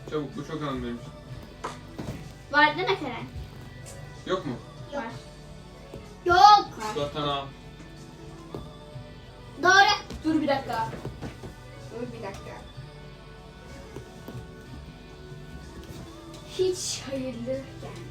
Çabuk, bu çok önemliymiş. Var değil mi Karen? Yok mu? Var. Yok. 4 tane A. Doğru. Dur bir dakika. Dur bir dakika. Hiç hayırlı yani.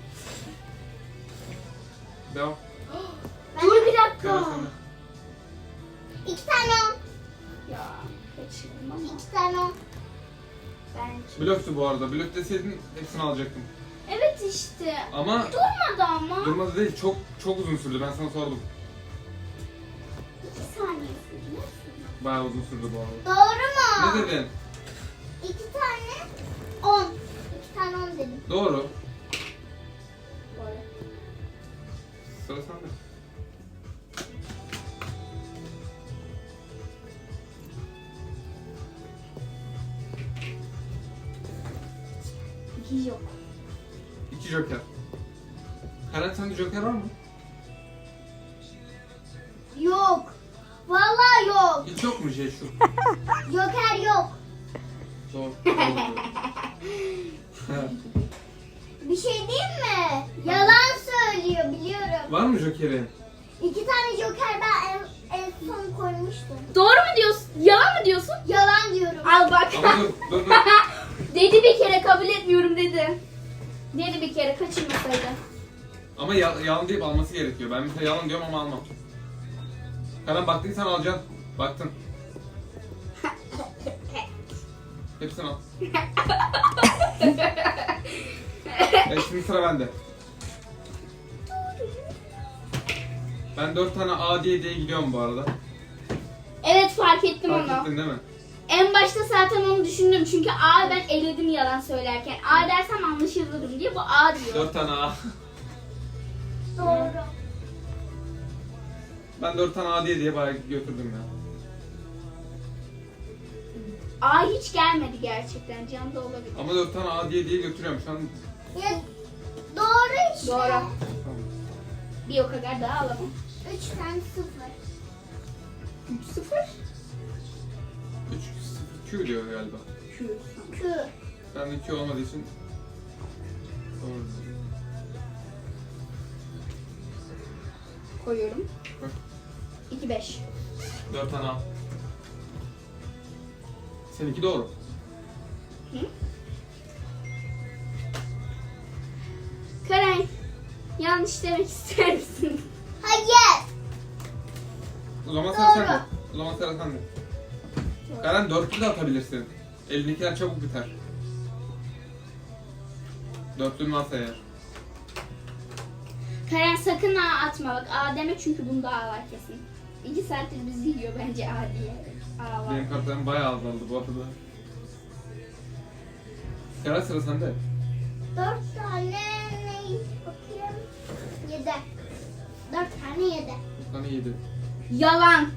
Devam. Dur bir Karen dakika. sende. 2 tane 10. Ya kaçırdım ama 2 tane 10. bence. Blöftü bu arada. Blöf deseydin hepsini alacaktım. Evet işte. Ama Durmadı ama. durmadı değil. Çok uzun sürdü. Ben sana sordum. 2 saniye sürdü. Bayağı uzun sürdü bu arada. Doğru mu? Ne dedin? 2 tane 10. 2 tane 10 dedim. Doğru. Doğru. Sıra sende. Hiç yok. 2 joker. Karen sende joker var mı? Yok. Vallahi yok. Hiç yok mu şey şu? Joker yok. Zor. Bir şey diyeyim mi? Yalan söylüyor biliyorum. Var mı jokerin? 2 tane joker ben en son koymuştum. Doğru mu diyorsun? Yalan mı diyorsun? Yalan diyorum. Al bak. Ama dur. Dedi bir kere kabul etmiyorum dedi. Dedi bir kere kaçırmasaydı. Ama yalan deyip alması gerekiyor. Ben mesela yalan diyorum ama almam. Karen baktıysan alacaksın. Baktın. Hepsini al. Evet, şimdi sıra bende. Ben 4 tane A diye gidiyorum bu arada. Evet fark ettim Fark onu. ettin değil mi? En başta zaten onu düşündüm çünkü A ben eledim yalan söylerken. A dersem anlaşılırım diye bu A diyor. 4 tane A. Doğru. Ben 4 tane A diye bayağı götürdüm ya. A hiç gelmedi gerçekten. Can da olabilir. Ama 4 tane A diye götürüyorum şu an. Ya, doğru işte. Doğru. Tamam. Bir o kadar daha alamam. 3 tane 0. 3-0. 3 Q diyor galiba. Kı. Ben de Q olmadığı için doğru. Koyuyorum. Bak. 2-5. 4 tane A. Seninki doğru. Karen, yanlış demek ister misin? Hayır. O zaman Doğru. sen de. O zaman sıra sende. Karen 4'lü de atabilirsin. Elindekiler çabuk biter. 4'lünü varsa eğer. Karen sakın A atma bak. A deme çünkü bunda A var kesin. 2 saattir bizi yiyor bence A diye. A var. Benim kartlarım bayağı azaldı bu arada. Karen sıra sende. 4 tane ne? Bakayım. 7. 4 tane 7. 4 tane 7. Yalan.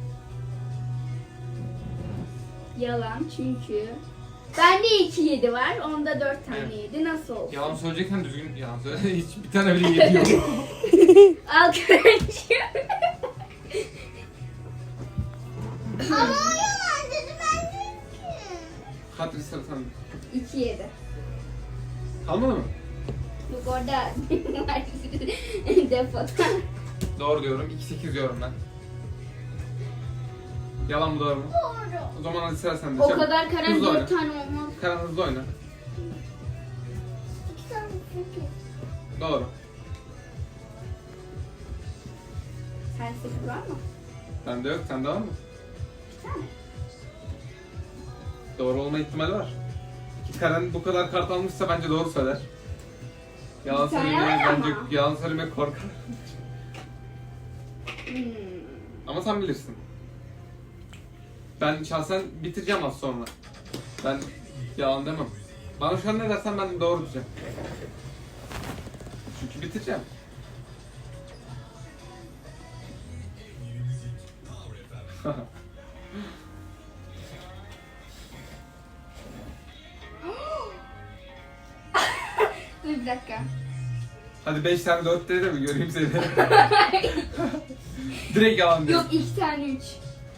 Yalan çünkü bende 2-7 var. Onda 4 tane Evet. 7. Nasıl olsun? Yalan söyleyeceksen düzgün yalan söyle. Hiç bir tane bile 7 yok. Al Karen'ciğim. Ama o yalan dedi ben dedim ki. Katri sıra sende. 2-7. Kalmadı mı? Yok orada var depoda. Doğru diyorum. 2-8 diyorum ben. Yalan mı doğru mu? Doğru. O zaman hadi sıra sende. O Çabuk. kadar Karen Hızlı oyna. 4 tane olmaz. Karen hızlı oyna. 2 tane 8. Doğru. Sen 8 var mı? Bende yok. Sende var mı? Bir tane. Doğru olma ihtimali var. Ki Karen bu kadar kart almışsa bence doğru söyler. Yalan Bir tane söylemeye var bence ama. yalan söylemeye korkar. Hmm. Ama sen bilirsin. Ben şahsen bitireceğim az sonra. Ben yalan demem. Bana şu an ne dersen ben de doğru diyeceğim. Çünkü bitireceğim. Dur bir dakika. Hadi 5 tane 4 de mi göreyim seni? Direkt yalan diyor. Yok 2 tane 3.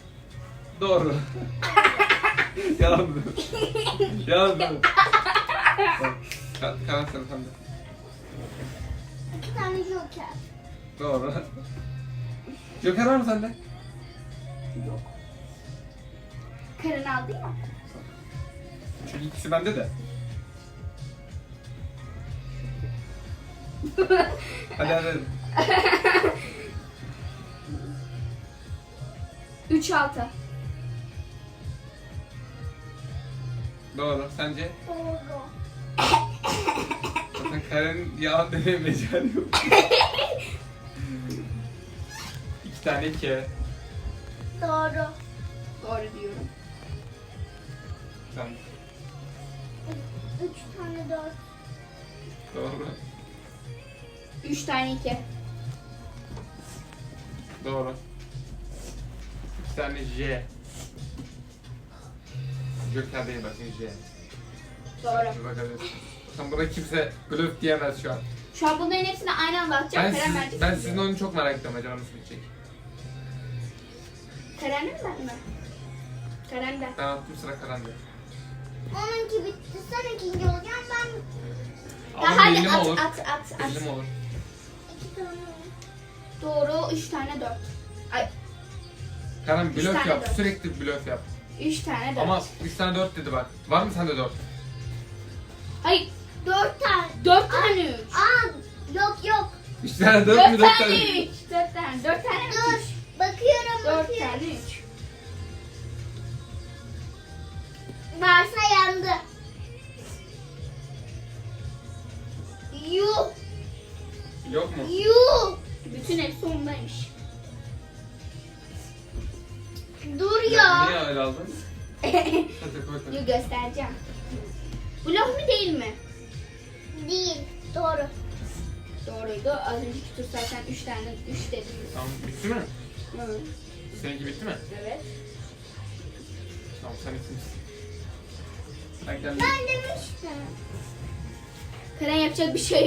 Doğru. Yalan diyor. Yalan diyor. Karan sen de. 2 tane joker. Doğru. Joker var mı sende? Yok. Karen aldı ya. Çünkü ikisi bende de. Hadi. 3-6. Doğru. Sence? Doğru. Zaten Karen'in yalan demeye mecali yok. 2 tane 2. Doğru. Doğru diyorum. Sen. 3 tane 4. Doğru. 3 tane 2. Doğru. 2 tane J. Joker değil bakın J. Doğru. Bakabilirsin. Bakın buna kimse blöf diyemez şu an. Şu an bunların hepsine aynı anda atacağım. Karen verecek. Ben sizin oyunu çok merak ediyorum. Acaba nasıl bitecek? Karen'in mi ben mi? Karen'den. Ben attım sıra Karan'da. Onunki bitti. Sen ikinci olacaksın. Ben Ama Hadi belli mi at, olur? at. Belli mi olur? 2 tane. Doğru. 3 tane 4. Ay Karan Üç blöf tane yap. dört. Sürekli blöf yap. 3 tane 4. Ama 3 tane 4 dedi bak. Var mı sende 4? Hayır. 4 tane. 4 tane 3. Aa, yok. 3 tane 4 mü 4 4 tane tane? 3. 4 tane. 4 tane mi? Dur. Bakıyorum. 4 tane 3. Varsa yandı. Yuh. Yok mu? Yuh. Bütün hepsi ondaymış. Dur Niye ya. öyle aldın? Hadi koy koy. Dur göstereceğim. Blok mu değil mi? Değil. Doğru. Doğruydu. Az önceki tur zaten 3 tane 3 dedim. Tamam bitti mi? Evet. Seninki bitti mi? Evet. Tamam sen ikincisin. Ben kendim. Ben demiştim. Karen yapacak bir şey